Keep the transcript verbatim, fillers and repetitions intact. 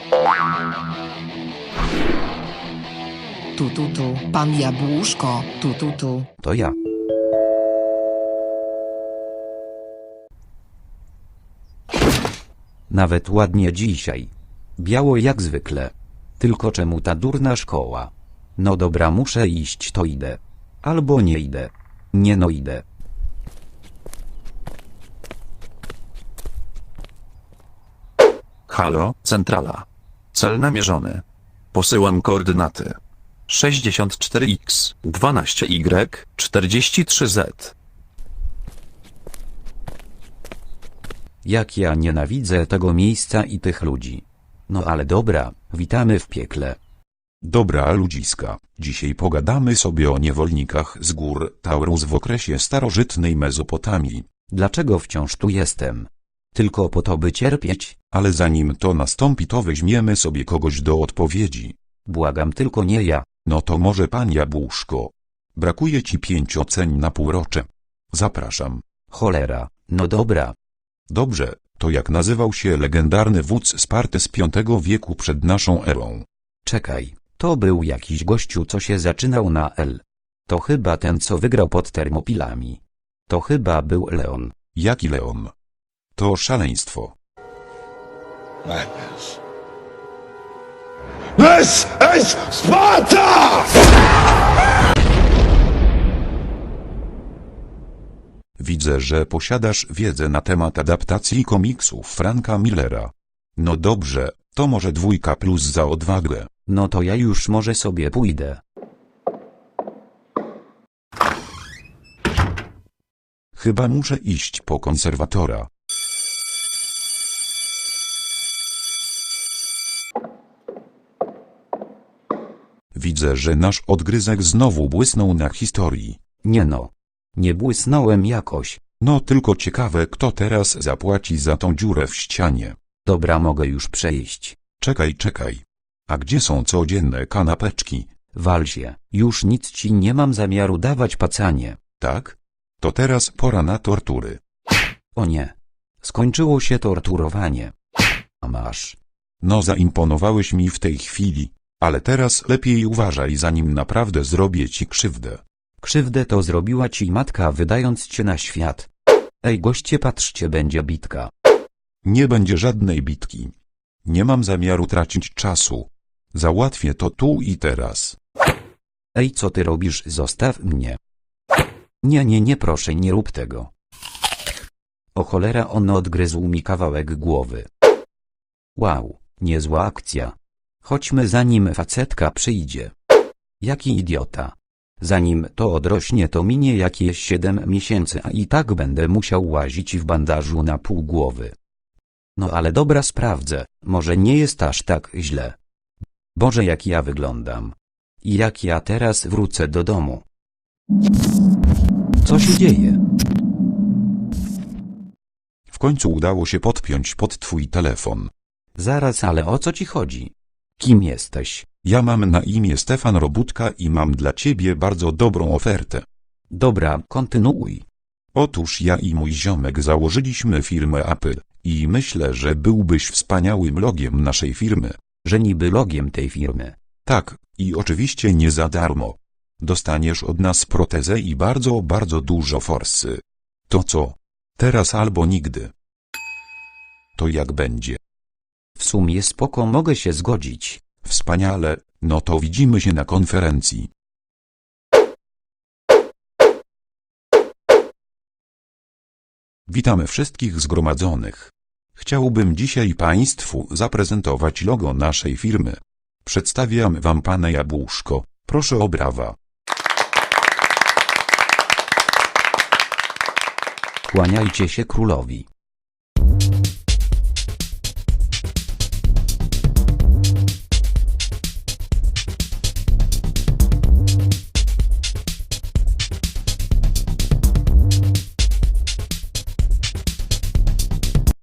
Tu, tu, tu, pan Jabłuszko, tu, tu, tu. To ja. Nawet ładnie dzisiaj. Biało jak zwykle. Tylko czemu ta durna szkoła? No dobra, muszę iść, to idę. Albo nie idę. Nie no idę. Halo, centrala. Cel namierzony. Posyłam koordynaty. sześćdziesiąt cztery x, dwanaście y, czterdzieści trzy z. Jak ja nienawidzę tego miejsca i tych ludzi. No ale dobra, witamy w piekle. Dobra ludziska, dzisiaj pogadamy sobie o niewolnikach z gór Taurus w okresie starożytnej Mezopotamii. Dlaczego wciąż tu jestem? Tylko po to, by cierpieć? Ale zanim to nastąpi, to weźmiemy sobie kogoś do odpowiedzi. Błagam, tylko nie ja. No to może pan Jabłuszko. Brakuje ci pięć oceń na półrocze. Zapraszam. Cholera, no dobra. Dobrze, to jak nazywał się legendarny wódz Sparty z piątego wieku przed naszą erą? Czekaj, to był jakiś gościu, co się zaczynał na L. To chyba ten, co wygrał pod Termopilami. To chyba był Leon. Jaki Leon? To szaleństwo. Madness. This is Sparta! Widzę, że posiadasz wiedzę na temat adaptacji komiksów Franka Millera. No dobrze, to może dwójka plus za odwagę. No to ja już może sobie pójdę. Chyba muszę iść po konserwatora. Widzę, że nasz odgryzek znowu błysnął na historii. Nie no. Nie błysnąłem jakoś. No tylko ciekawe, kto teraz zapłaci za tą dziurę w ścianie. Dobra, mogę już przejść. Czekaj, czekaj. A gdzie są codzienne kanapeczki? Wal się, już nic ci nie mam zamiaru dawać, pacanie. Tak? To teraz pora na tortury. O nie. Skończyło się torturowanie. A masz. No zaimponowałeś mi w tej chwili, ale teraz lepiej uważaj, zanim naprawdę zrobię ci krzywdę. Krzywdę to zrobiła ci matka, wydając cię na świat. Ej goście, patrzcie, będzie bitka. Nie będzie żadnej bitki. Nie mam zamiaru tracić czasu. Załatwię to tu i teraz. Ej, co ty robisz? Zostaw mnie. Nie, nie, nie, proszę, nie rób tego. O cholera, on odgryzł mi kawałek głowy. Wow, niezła akcja. Chodźmy, zanim facetka przyjdzie. Jaki idiota. Zanim to odrośnie, to minie jakieś siedem miesięcy, a i tak będę musiał łazić w bandażu na pół głowy. No ale dobra, sprawdzę, może nie jest aż tak źle. Boże, jak ja wyglądam. I jak ja teraz wrócę do domu. Co się dzieje? W końcu udało się podpiąć pod twój telefon. Zaraz, ale o co ci chodzi? Kim jesteś? Ja mam na imię Stefan Robótka i mam dla ciebie bardzo dobrą ofertę. Dobra, kontynuuj. Otóż ja i mój ziomek założyliśmy firmę Apple i myślę, że byłbyś wspaniałym logiem naszej firmy. Że niby logiem tej firmy. Tak, i oczywiście nie za darmo. Dostaniesz od nas protezę i bardzo, bardzo dużo forsy. To co? Teraz albo nigdy. To jak będzie? W sumie spoko, mogę się zgodzić. Wspaniale, no to widzimy się na konferencji. Witamy wszystkich zgromadzonych. Chciałbym dzisiaj Państwu zaprezentować logo naszej firmy. Przedstawiam Wam pana Jabłuszko, proszę o brawa. Kłaniajcie się królowi.